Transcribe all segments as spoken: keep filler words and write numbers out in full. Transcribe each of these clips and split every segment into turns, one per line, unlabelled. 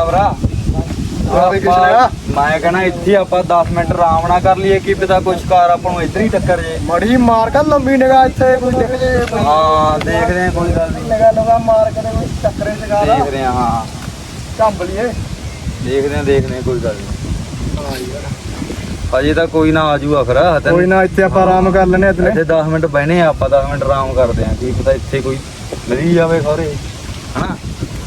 ਦਲਾਵਰਾ ਮੈਂ ਕਹਿਣਾ ਇੱਥੇ ਆਪਾਂ ਦਸ ਮਿੰਟ ਆਰਾਮ ਨਾਲ ਕਰ ਲਈਏ ਕੀ ਪਤਾ ਕੁਛ ਕਾਰ ਆਪਾਂ ਨੂੰ ਇੱਧਰ ਹੀ ਟੱਕਰ ਜੇ
ਮੜੀ ਮਾਰ ਕੇ ਲੰਬੀ ਨਿਗਾਹ ਇੱਥੇ ਕੋਈ ਦਿਖ ਜੇ
ਹਾਂ ਦੇਖਦੇ ਆ ਕੋਈ ਗੱਲ ਨਹੀਂ
ਨਿਗਾਹ ਲਗਾ ਮਾਰ ਕੇ ਕੋਈ ਟੱਕਰੇ ਚ ਗਾ
ਦੇਖਦੇ ਆ ਹਾਂ
ਝੰਬ ਲਈਏ
ਦੇਖਦੇ ਆ ਦੇਖਦੇ ਆ ਕੋਈ ਗੱਲ ਨਹੀਂ ਹਾਂ ਯਾਰ ਅਜੇ ਤਾਂ ਕੋਈ ਨਾ ਆਜੂਗਾ ਫਿਰ
ਕੋਈ ਨਾ ਇੱਥੇ ਆਪਾਂ ਆਰਾਮ ਕਰ ਲੈਨੇ ਇਤਨੇ
ਇੱਥੇ ਦਸ ਮਿੰਟ ਬਹਿਨੇ ਆ ਆਪਾਂ ਦਸ ਮਿੰਟ ਆਰਾਮ ਕਰਦੇ ਆ ਕੀ ਪਤਾ ਇੱਥੇ ਕੋਈ ਮਿਲ ਜਾਵੇ ਖੋਰੇ ਹਨਾ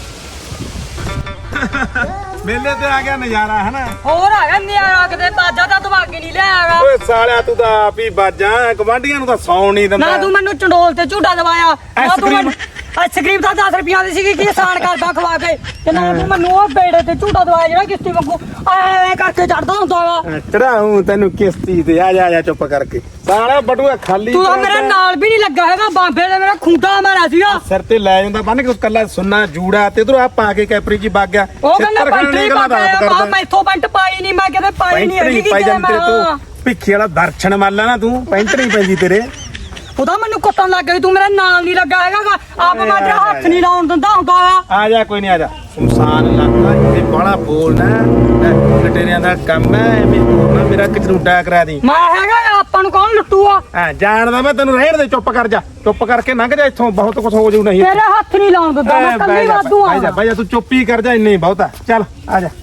ਮੇਲੇ ਤੇ ਆ ਗਿਆ ਨਜ਼ਾਰਾ ਹੈ ਨਾ
ਹੋਰ ਆ ਗਿਆ ਨਿਆਰਾ ਕਿਤੇ ਬਾਜਾ ਤਾਂ ਦਵਾਗੇ ਨਹੀਂ ਲਿਆਗਾ
ਓਏ ਸਾਲਿਆ ਤੂੰ ਤਾਂ ਆਪ ਹੀ ਬਾਜਾਂ ਗਵਾਂਢੀਆਂ ਨੂੰ ਤਾਂ ਸੌਣ ਨਹੀਂ ਦਿੰਦਾ
ਨਾ ਤੂੰ ਮੈਨੂੰ ਚੰਡੋਲ ਤੇ ਝੂਟਾ ਦਵਾਇਆ ਨਾ ਤੂੰ ਮੈਨੂੰ ਆਈਸਕ੍ਰੀਮ ਤਾਂ ਦਸ ਰੁਪਈਆ ਦੀ ਸੀਗੀ ਕੀ ਆਸਾਨ ਕਰਦਾ ਖਵਾ ਕੇ ਤੇ ਨਾ ਤੂੰ ਮੈਨੂੰ ਉਹ ਬੇੜੇ ਤੇ ਝੂਟਾ ਦਵਾਇਆ ਜਿਹੜਾ ਕਿਸ਼ਤੀ ਵਾਂਗੂ ਐ ਕਰਕੇ ਚੜਦਾ ਹੁੰਦਾ ਵਾ
ਚੜਾਉਂ ਤੈਨੂੰ ਕਿਸ਼ਤੀ ਤੇ ਆ ਜਾ ਜਾ ਚੁੱਪ ਕਰਕੇ ਸਾਲਾ ਬਟੂਆ ਖਾਲੀ
ਤੂੰ ਤਾਂ ਮੇਰੇ ਨਾਲ ਵੀ ਨਹੀਂ ਲੱਗਾ ਹੈਗਾ ਬਾਂਬੇ ਦੇ ਮੇਰਾ ਖੁੰਡਾ ਮਾਰਿਆ ਸੀਗਾ
ਸਿਰ ਤੇ ਲੈ ਜਾਂਦਾ ਬੰਨ ਕੇ ਕੱਲਾ ਸੁੰਨਾ ਜੂੜਾ ਤੇ ਇਧਰੋਂ ਆ ਪਾ ਕੇ ਕੈਪਰੀ ਜੀ ਵਗ ਗਿਆ
ਉਹ ਕਹਿੰਦਾ ਪੈਂਟ ਨਹੀਂ ਪਾ ਮੈਥੋਂ ਪੈਂਟ ਪਾਈ ਨਹੀਂ ਮੈਂ ਕਿਤੇ ਪਾਈ ਨਹੀਂ ਹੈਗੀ ਕਿ ਜੇ ਮੈਂ
ਤੂੰ ਭਿੱਖੀ ਵਾਲਾ ਦਰਸ਼ਨ ਮੰਨ ਲੈ ਨਾ ਤੂੰ ਪੈਂਟ ਨਹੀਂ ਪੈਂਦੀ ਤੇਰੇ
ਉਹਦਾ ਮੈਨੂੰ ਕੁੱਟਣ ਲੱਗ ਗਈ ਤੂੰ ਮੇਰੇ ਨਾਲ ਨਹੀਂ ਲੱਗਾ ਹੈਗਾ ਆਪ ਮੈਂ ਤੇਰਾ ਹੱਥ ਨਹੀਂ ਲਾਉਣ ਦਿੰਦਾ ਹੁੰਦਾ
ਆ ਜਾ ਕੋਈ ਨਹੀਂ ਆ ਜਾ ਸੁਨਸਾਨ ਇਲਾਕਾ ਇੱਥੇ ਬਾਹਲਾ ਬੋਲਣਾ ਲਟੇਰਿਆਂ ਦਾ ਕੰਮ ਹੈ ਐਵੇਂ ਬੋਲਣਾ ਮੇਰਾ ਕਚਰੂਡਾ ਕਰਾ ਦੀ
ਮੈਂ ਹੈਗਾ ਆਪਾਂ ਨੂੰ ਕੌਣ ਲੁੱਟੂਆ
ਹਾਂ ਜਾਣਦਾ ਮੈਂ ਤੈਨੂੰ ਰਹਿਣ ਦੇ ਚੁੱਪ ਕਰ ਜਾ ਚੁੱਪ ਕਰਕੇ ਲੰਘ ਜਾ ਇੱਥੋਂ ਬਹੁਤ ਕੁਝ ਹੋ ਜਾਊ ਨਹੀਂ
ਤੇਰੇ ਹੱਥ ਨਹੀਂ ਲਾਉਣ ਦਿੰਦਾ ਮੈਂ ਕੱਲੀ ਵਾਧੂ ਆ
ਬਾਈ ਜਾ ਬਾਈ ਜਾ ਤੂੰ ਚੁੱਪ ਹੀ ਕਰ ਜਾ ਇੰਨੇ ਹੀ ਬਹੁਤਾ ਚੱਲ ਆ ਜਾ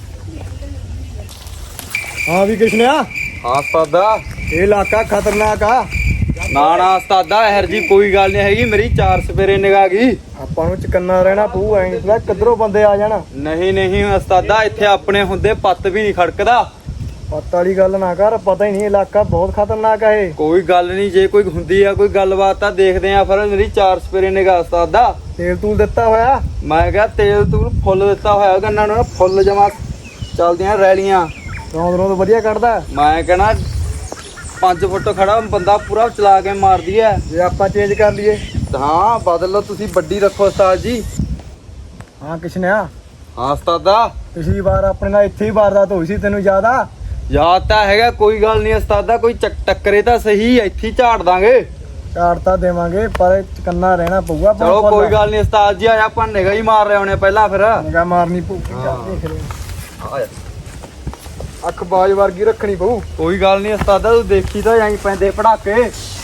ਹਾਂ ਵੀ ਕਿਸ਼ਨਿਆ
ਹਾਂ ਉਸਤਾਦਾ
ਇਹ ਇਲਾਕਾ ਖਤਰਨਾਕ ਆ
ਨਾ ਨਾ ਉਸਤਾਦਾ ਇਹਰ ਜੀ ਕੋਈ ਗੱਲ ਨਹੀਂ ਹੈਗੀ ਮੇਰੀ ਚਾਰ ਸਪੇਰੇ ਨਿਗਾਹ ਗਈ
ਆਪਾਂ ਨੂੰ ਚਕੰਨਾ ਰਹਿਣਾ ਪਊ ਐਂ ਨਹੀਂ ਕਿੱਧਰੋਂ ਬੰਦੇ ਆ ਜਾਣ
ਨਹੀਂ ਨਹੀਂ ਉਸਤਾਦਾ ਇੱਥੇ ਆਪਣੇ ਹੁੰਦੇ ਪੱਤ ਵੀ ਨਹੀਂ ਖੜਕਦਾ
ਪਤਾ ਵਾਲੀ ਗੱਲ ਨਾ ਕਰ ਪਤਾ ਹੀ ਨਹੀਂ ਇਲਾਕਾ ਬਹੁਤ ਖਤਰਨਾਕ ਆ ਇਹ
ਕੋਈ ਗੱਲ ਨਹੀਂ ਜੇ ਕੋਈ ਹੁੰਦੀ ਆ ਕੋਈ ਗੱਲਬਾਤ ਤਾਂ ਦੇਖਦੇ ਆ ਫਿਰ ਮੇਰੀ ਚਾਰ ਸਪੇਰੇ ਨਿਗਾਹ ਉਸਤਾਦਾ
ਤੇਲ ਤੂਲ ਦਿੱਤਾ ਹੋਇਆ
ਮੈਂ ਕਿਹਾ ਤੇਲ ਤੂੰ ਫੁੱਲ ਦਿੱਤਾ ਹੋਇਆ ਗੰਨਾਂ ਨੂੰ ਫੁੱਲ ਜਮਾ ਚੱਲਦੀਆਂ ਰੈਲੀਆਂ
ਰੌਂਦ ਰੌਂਦ ਵਧੀਆ ਕੱਢਦਾ
ਮੈਂ ਕਹਿਣਾ ਪੰਜ ਫੁੱਟ ਖੜਾ ਬੰਦਾ ਪੂਰਾ ਚਲਾ ਕੇ ਮਾਰਦੀ ਐ
ਜੇ ਆਪਾਂ ਚੇਂਜ ਕਰ ਲਈਏ
ਹਾਂ ਬਦਲ ਲਓ ਤੁਸੀਂ ਵੱਡੀ ਰੱਖੋ ਉਸਤਾਦ ਜੀ
ਹਾਂ ਕਿਸ਼ਨਿਆ
ਹਾਂ ਉਸਤਾਦਾ
ਪਿਛਲੀ ਵਾਰ ਆਪਣੇ ਨਾਲ ਇੱਥੇ ਹੀ ਵਾਰਦਾਤ ਹੋਈ ਸੀ ਤੈਨੂੰ ਯਾਦ ਆ
ਯਾਦ ਤਾਂ ਹੈਗਾ ਕੋਈ ਗੱਲ ਨਹੀਂ ਉਸਤਾਦਾ ਕੋਈ ਚੱਕ ਟੱਕਰੇ ਤਾਂ ਸਹੀ ਇੱਥੇ ਹੀ ਝਾੜ ਦਾਂਗੇ
ਝਾੜ ਤਾਂ ਦੇਵਾਂਗੇ ਪਰ ਚਕੰਨਾ ਰਹਿਣਾ ਪਊਗਾ
ਚਲੋ ਕੋਈ ਗੱਲ ਨਹੀਂ ਉਸਤਾਦ ਜੀ ਆਇਆ ਆਪਾਂ ਨਿਗਾ ਹੀ ਮਾਰ ਰਹੇ ਹੋਣੇ ਪਹਿਲਾਂ ਫਿਰ
ਨਿਗਾ ਮਾਰਨੀ ਪਊ ਦੇਖ ਲੈ ਅੱਖ ਬਾਜ ਵਰਗੀ ਰੱਖਣੀ ਪਊ
ਕੋਈ ਗੱਲ ਨਹੀਂ ਉਸਤਾਦਾ ਤੂੰ ਦੇਖੀ ਤਾਂ ਜਾਈ ਪੈਂਦੇ ਪੜਾਕੇ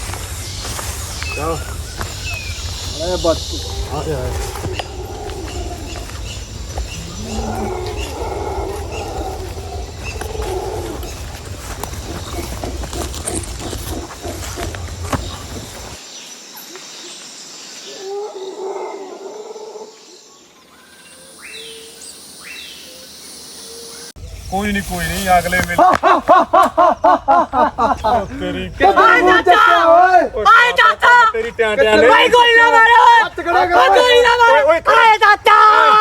ਚਲ ਅਰੇ ਬੱਤ ਆ ਗਿਆ
ਕੋਈ ਨਹੀਂ ਕੋਈ ਨਹੀਂ ਅਗਲੇ ਵੇਲੇ ਤੇਰੀ
ਆਏ ਚਾਚਾ ਆਏ ਚਾਚਾ
ਤੇਰੀ ਟਿਆਂ ਟਿਆਂ ਨੇ
ਭਾਈ ਗੋਲੀ ਨਾ ਮਾਰੋ ਓਏ ਗੋਲੀ ਨਾ ਮਾਰੋ ਆਏ ਚਾਚਾ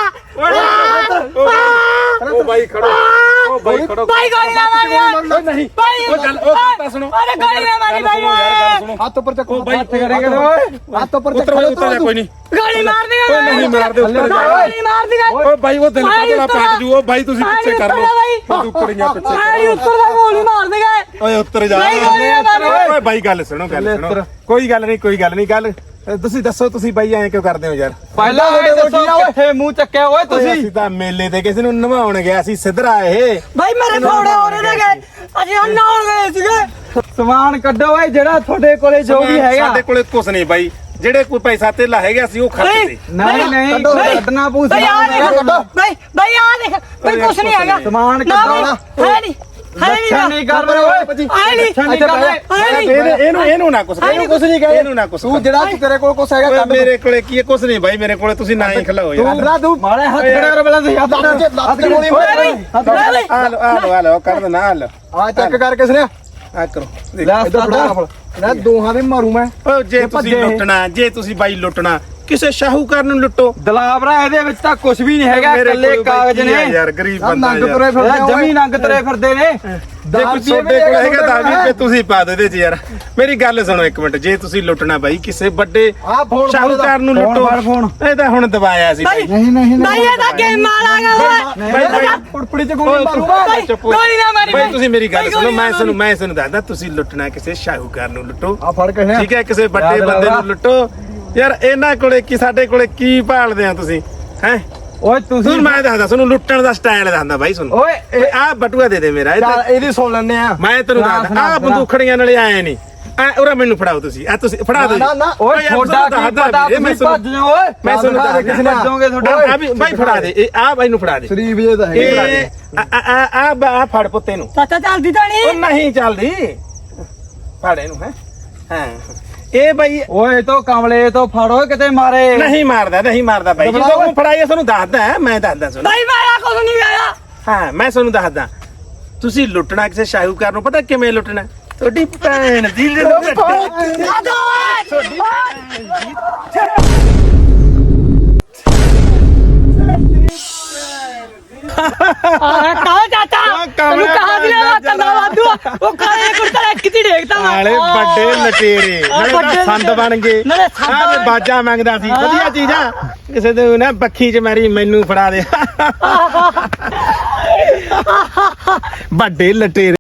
ਉਹ ਬਾਈ ਖੜੋ ਉਹ ਬਾਈ ਖੜੋ
ਭਾਈ ਗੋਲੀ ਨਾ ਮਾਰੋ
ਨਹੀਂ
ਭਾਈ
ਉਹ ਗੱਲ ਉਹ ਤਾਂ ਸੁਣੋ
ਅਰੇ ਗੋਲੀ ਨਾ ਮਾਰੀ ਭਾਈ
ਗੱਲ ਸੁਣੋ
ਹੱਥ ਉੱਪਰ ਚੱਕੋ
ਬਾਈ
ਹੱਥ ਕਰੇਂਗੇ ਓਏ ਹੱਥ ਉੱਪਰ
ਉੱਤਰ
ਚੱਕੋ
ਉੱਤਰ ਜਾ ਕੋਈ ਨਹੀਂ
ਗੋਲੀ ਮਾਰ ਦੇਗਾ
ਓਏ ਨਹੀਂ ਮਾਰ ਦੇ ਉੱਤਰ ਜਾ
ਗੋਲੀ ਮਾਰ ਦੇਗਾ
ਓਏ ਬਾਈ ਉਹ ਦਿਲ ਕਾਹਦਾ ਪੱਟ ਜੂ ਉਹ ਬਾਈ ਤੁਸੀਂ ਪਿੱਛੇ ਕਰ ਲਓ ਤੂੰ ਉੱਕੜੀਆਂ ਪਿੱਛੇ
ਭਾਈ ਉੱਤਰ ਦਾ ਗੋਲੀ ਮਾਰ ਦੇਗਾ
ਓਏ ਉੱਤਰ ਜਾ
ਬਾਈ ਗੋਲੀ ਨਾ ਮਾਰੋ
ਓਏ ਬਾਈ ਗੱਲ ਸੁਣੋ ਗੱਲ ਸੁਣੋ ਕੋਈ ਗੱਲ ਨਹੀਂ ਕੋਈ ਗੱਲ ਨਹੀਂ ਗੱਲ ਤੁਸੀਂ ਦੱਸੋ ਤੁਸੀਂ ਬਾਈ ਐਂ ਕਿਉਂ ਕਰਦੇ ਹੋ ਯਾਰ
ਪਹਿਲਾਂ ਇਹ ਦੱਸੋ ਕਿੱਥੇ ਮੂੰਹ ਚੱਕਿਆ ਓਏ
ਤੁਸੀਂ
ਤੁਸੀਂ
ਅਸੀਂ ਤਾਂ ਮੇਲੇ ਤੇ ਕਿਸੇ ਨੂੰ ਨਵਾਉਣ ਗਿਆ ਸੀ ਸਿੱਧਰਾ ਇਹ
ਭਾਈ ਮੇਰੇ ਫੋੜੇ ਹੋ ਰਹੇ ਨੇਗੇ ਅਜੇ ਨਾਉਣ ਗਏ ਸੀਗੇ
ਸਮਾਨ ਕੱਢੋ ਓਏ ਜਿਹੜਾ ਤੁਹਾਡੇ ਕੋਲੇ ਜੋ ਵੀ ਹੈਗਾ
ਸਾਡੇ ਕੋਲੇ ਕੁਛ ਨਹੀਂ ਬਾਈ ਜਿਹੜੇ ਕੋਈ ਪੈਸਾ ਧੇਲਾ ਹੈਗਾ ਸੀ ਉਹ ਖਰਚ ਤੇ
ਨਹੀਂ ਨਹੀਂ ਕੱਢਣਾ ਪਊ
ਭਾਈ ਆ
ਸਮਾਨ
ਦੇਖ ਭਾਈ ਭਾਈ ਆ ਦੇਖ ਭਾਈ ਕੁਛ ਨਹੀਂ ਹੈਗਾ
ਸਮਾਨ
ਨਾ
ਕੱਢੋ ਨਾ
ਭਾਈ, ਹੈ ਨਹੀਂ ਹੈ
ਲੱਛਣ
ਨਹੀਂ
ਨਹੀਂ ਕਰ ਰਹੇ ਓਏ
ਆਏ ਨਹੀਂ
ਲੱਛਣ ਨਹੀਂ ਕਰ ਰਹੇ
ਹੈ ਨਹੀਂ
ਇਹਨੂੰ ਇਹਨੂੰ ਇਹਨੂੰ ਨਾ ਕੁਛ
ਇਹਨੂੰ ਕੁਛ ਨਹੀਂ ਕਹੇ
ਇਹਨੂੰ ਨਾ ਕੁਛ
ਤੂੰ ਜਿਹੜਾ ਤੇਰੇ ਕੋਲ ਕੁਛ ਹੈਗਾ
ਓਏ
ਕੱਢ
ਮੇਰੇ ਕੋਲੇ ਕੀ ਹੈ ਕੁਛ ਨਹੀਂ ਬਾਈ ਮੇਰੇ ਕੋਲੇ ਤੁਸੀਂ ਨਾ ਹੀ ਖਲਾਓ ਯਾਰ
ਤੂੰ ਤੂੰ
ਮਾਰੇ ਹੱਥ ਖੜਾ ਕਰ ਪਹਿਲਾਂ ਤੁਸੀਂ ਹੱਥ
ਲੱਤ ਦੀ ਗੋਲੀ ਮਾਰ
ਆ ਲੋ ਆ ਲੋ ਆ ਲੋ ਕਰ ਦੇ ਨਾ ਆ ਲੋ
ਆ ਚੱਕ ਕਰ ਕਿਸ ਨੇ
ਆ ਕਰੋ
ਲੈ
ਇੱਧਰ
ਉਸਤਾਦਾ
ਫੜਾ ਇਹਨਾਂ ਦੋਹਾਂ ਦੇ ਮਾਰੂ ਮੈਂ
ਓ ਜੇ ਤੁਸੀਂ ਲੁੱਟਣਾ ਜੇ ਤੁਸੀਂ ਬਾਈ ਲੁੱਟਣਾ ਕਿਸੇ ਸ਼ਾਹੂਕਾਰ ਨੂੰ ਲੁੱਟੋ
ਦਲਾਵਰਾ ਇਹਦੇ ਵਿੱਚ ਤਾਂ ਕੁਝ ਵੀ ਨਹੀਂ ਹੈਗਾ ਇਕੱਲੇ ਕਾਗਜ਼ ਨੇ
ਯਾਰ ਗਰੀਬ ਬੰਦਾ
ਨੰਗ
ਯਾਰ
ਤੁਰੇ ਫਿਰਦੇ
ਇਹ ਜਮੀ ਨੰਗ ਤਰੇ ਫਿਰਦੇ ਨੇ
ਜੇ ਕੋਈ ਤੁਹਾਡੇ ਕੋਲ ਹੈਗਾ ਤਾਂ ਵੀ ਰੁਪਏ ਤੁਸੀਂ ਪਾ ਦਿਓ ਇਹਦੇ ਚ ਯਾਰ ਮੇਰੀ ਗੱਲ ਸੁਣੋ ਇੱਕ ਮਿੰਟ ਜੇ ਤੁਸੀਂ ਲੁੱਟਣਾ ਬਾਈ ਕਿਸੇ ਵੱਡੇ
ਆ ਫੋਨ
ਸ਼ਾਹੂਕਾਰ ਨੂੰ
ਫੋਨ
ਲੁੱਟੋ
ਫੜ ਫੋਨ।
ਇਹ ਤਾਂ ਹੁਣ ਦਬਾਇਆ ਸੀ ਬਾਈ
ਨਹੀਂ ਨਹੀਂ
ਭਾਈ ਇਹ ਤਾਂ ਗੇਮ ਮਾਰਾਂਗਾ ਓਏ
ਬਾਈ ਬਾਈ
ਪੁੜਪੜੀ ਚ ਗੋਲੀ ਮਾਰੂਗਾ
ਭਾਈ ਗੋਲੀ ਨਾ ਮਾਰੀ
ਬਾਈ ਤੁਸੀਂ ਮੇਰੀ ਗੱਲ
ਭਾਈ,
ਸੁਣੋ
ਗੋਲੀ
ਮੈਂ
ਨਾ
ਤੁਹਾਨੂੰ ਮੈਂ ਤੁਹਾਨੂੰ ਦੱਸਦਾ ਤੁਸੀਂ ਲੁੱਟਣਾ ਕਿਸੇ ਸ਼ਾਹੂਕਾਰ ਨੂੰ ਲੁੱਟੋ
ਆ ਫੜ ਕੇ
ਠੀਕ ਹੈ ਕਿਸੇ ਵੱਡੇ
ਯਾਦ
ਬੰਦੇ
ਰੱਖਣਾ।
ਨੂੰ ਲੁੱਟੋ ਯਾਰ ਇਹਨਾਂ ਕੋਲੇ ਕੀ ਸਾਡੇ ਕੋਲੇ ਕੀ ਭਾਲਦੇ ਆ ਤੁਸੀਂ ਹੈ
ਓਏ ਤੁਸੀਂ
ਤੁਹਾਨੂੰ ਮੈਂ ਦੱਸਦਾ ਤੁਹਾਨੂੰ ਲੁੱਟਣ ਦਾ ਸਟਾਈਲ ਦੱਸਦਾ ਬਾਈ ਤੁਹਾਨੂੰ
ਓਏ ਇਹ-
ਆਹ ਬਟੂਆ ਦੇ ਦੇ ਮੇਰਾ ਇਹ
ਚੱਲ
ਤਾਂ-
ਇਹਦੀ ਸੁਣ ਲੈਣੇ ਆ
ਮੈਂ ਤੈਨੂੰ
ਸੁਣਾ,
ਦੱਸਦਾ
ਸੁਣਾ,
ਆਹ
ਸੁਣਾ।
ਬੰਦੂਖੜੀਆਂ ਨਾਲੇ ਆਏ ਨਹੀਂ ਆ ਉਰਾ ਮੈਨੂੰ ਫੜਾਓ ਤੁਸੀਂ ਆ ਤੁਸੀਂ ਫੜਾ ਦਿਓ
ਨਾ ਨਾ ਓਏ
ਯਾਰ
ਛੋਟਾ
ਤੁਹਾਨੂੰ
ਕੀ
ਦੱਸਦਾ
ਪਤਾ
ਵੀਰੇ, ਮੈਂ
ਤੁਸੀਂ
ਤੁਹਾਨੂੰ-
ਭੱਜ ਜਾਓ ਓਏ
ਮੈਂ ਤੁਹਾਨੂੰ
ਦਿਖਾ ਦੇ
ਦੱਸਦਾ
ਕਿਸੇ ਨੇ
ਭੱਜੋਗੇ ਤੁਹਾਡਾ।
ਓਏ,
ਆ ਵੀ ਬਾਈ ਫੜਾ ਦੇ ਇਹ ਆ ਬਾਈ ਨੂੰ ਫੜਾ ਦੇ
ਸ਼ਰੀਫ ਜੇ ਤਾਂ
ਇਹ
ਹੈਗੇ
ਆ ਆ ਆ ਆ ਫੜ ਪੁੱਤੇ ਨੂੰ
ਚਾਚਾ ਚੱਲਦੀ ਤਾਂ
ਉਹ
ਨਹੀਂ
ਨਹੀਂ ਚੱਲਦੀ ਫੜ ਇਹਨੂੰ ਹੈ ਹਾਂ ਇਹ ਬਾਈ
ਓਏ ਤੋਂ ਕਮਲੇ ਤੋਂ ਫੜੋ ਕਿਤੇ ਮਾਰੇ
ਨਹੀਂ ਮਾਰਦਾ ਨਹੀਂ ਮਾਰਦਾ ਬਾਈ
ਦਬਲਾ
ਜਦੋਂ
ਓਏ।
ਉਹ ਫੜਾਈਏ ਤੁਹਾਨੂੰ ਦੱਸਦਾ ਮੈਂ ਦੱਸਦਾ ਸੁਣ
ਬਾਈ ਮਾਰਾ ਕੁਝ ਨਹੀਂ ਆਇਆ
ਹਾਂ ਮੈਂ ਤੁਹਾਨੂੰ ਦੱਸਦਾ ਤੁਸੀਂ ਲੁੱਟਣਾ ਕਿਸੇ ਸ਼ਾਹੂਕਾਰ ਨੂੰ ਪਤਾ ਕਿਵੇਂ ਲੁੱਟਣਾ ਤੁਹਾਡੀ ਭੈਣ ਦੀ ਲੁੱਟ
ਆ ਦੋ ਆ ਕਾ ਚਾਚਾ
ਉਹ ਕਮਲਾ
ਤੈਨੂੰ ਕਹਾ ਦਿਆ ਵਾ ਕੰਨਾ ਵਾਦੂ ਉਹ ਕਾਲੇ ਕੁੜਤਾ ਕਿੱਥੇ ਦੇਖਦਾ ਵਾ
ਨਾਲੇ ਵੱਡੇ ਲਟੇਰੇ ਨਾਲੇ
ਵੱਡੇ
ਤਾਂ ਸੰਦ ਬਣ ਗਏ
ਨਾਲੇ ਸੰਦ
ਆਹ ਤੇ
ਬਣ
ਬਾਜਾ ਮੰਗਦਾ ਸੀ ਵਧੀਆ ਚੀਜ਼ਾਂ ਕਿਸੇ ਦੇ ਨਾ ਬੱਖੀ ਚ ਮਾਰੀ ਮੈਨੂੰ ਫੜਾ ਦੇ ਵੱਡੇ ਲਟੇਰੇ